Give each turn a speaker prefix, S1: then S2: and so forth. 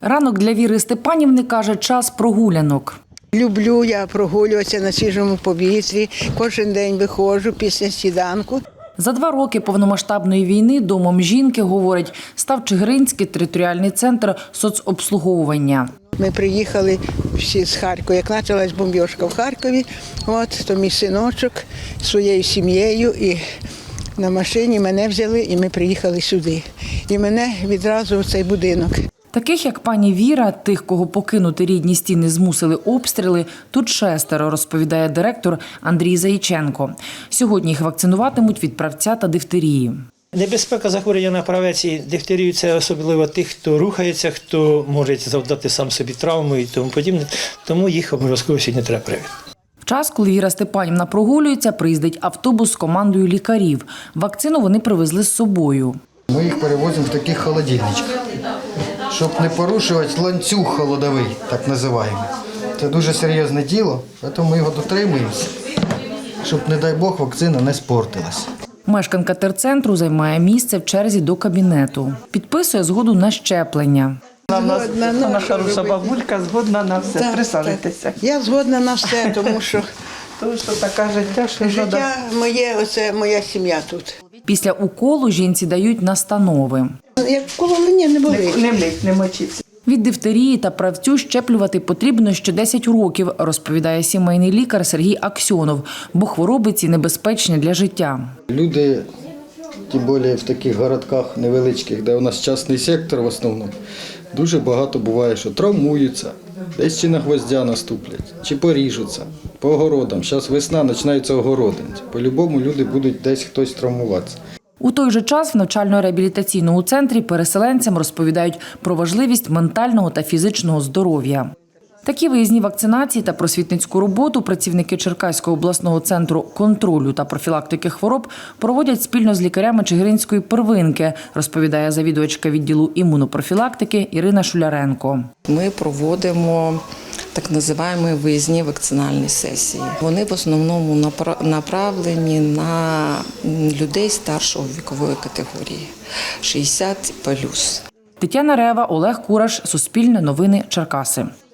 S1: Ранок для Віри Степанівни, каже, час прогулянок.
S2: Люблю я прогулюватися на свіжому повітрі, кожен день виходжу після сніданку.
S1: За 2 роки повномасштабної війни домом жінки, говорить, став Чигиринський територіальний центр соцобслуговування.
S2: Ми приїхали всі з Харкова, як почалась бомбіжка в Харкові, то мій синочок зі своєю сім'єю і на машині мене взяли і ми приїхали сюди. І мене відразу в цей будинок.
S1: Таких, як пані Віра, тих, кого покинути рідні стіни змусили обстріли, тут 6, розповідає директор Андрій Заїченко. Сьогодні їх вакцинуватимуть від правця та дифтерії.
S3: Небезпека захворювання на правець і дифтерію – це особливо тих, хто рухається, хто може завдати сам собі травму і тому подібне. Тому їх обов'язково сьогодні треба привити.
S1: В час, коли Віра Степанівна прогулюється, приїздить автобус з командою лікарів. Вакцину вони привезли з собою.
S4: Ми їх перевозимо в таких холодильничках, щоб не порушувати ланцюг холодовий, так називаємо. Це дуже серйозне діло, тому ми його дотримуємося, щоб, не дай Бог, вакцина не спортилась.
S1: Мешканка терцентру займає місце в черзі до кабінету. Підписує згоду на щеплення.
S5: Вона хороша бабулька, згодна на все. Присаджуйтеся.
S2: Я згодна на все, тому що
S5: таке життя, що
S2: життя моє, оце моя сім'я тут.
S1: Після уколу жінці дають настанови.
S2: Як кололення не болить.
S5: не мліть, не мочіться.
S1: Від дифтерії та правцю щеплювати потрібно ще 10 років, розповідає сімейний лікар Сергій Аксьонов, бо хвороби ці небезпечні для життя.
S4: Люди, тим більше в таких городках невеличких, де у нас частний сектор в основному, дуже багато буває, що травмуються, десь чи на гвоздя наступлять, чи поріжуться по огородам. Зараз весна, починаються огороди. По-любому люди будуть десь хтось травмуватися.
S1: У той же час в навчально-реабілітаційному центрі переселенцям розповідають про важливість ментального та фізичного здоров'я. Такі виїзні вакцинації та просвітницьку роботу працівники Черкаського обласного центру контролю та профілактики хвороб проводять спільно з лікарями Чигиринської первинки, розповідає завідувачка відділу імунопрофілактики Ірина Шуляренко.
S6: Ми проводимо так називаємо виїзні вакцинальні сесії. Вони в основному направлені на людей старшої вікової категорії – 60+.
S1: Тетяна Рева, Олег Кураш, Суспільне новини, Черкаси.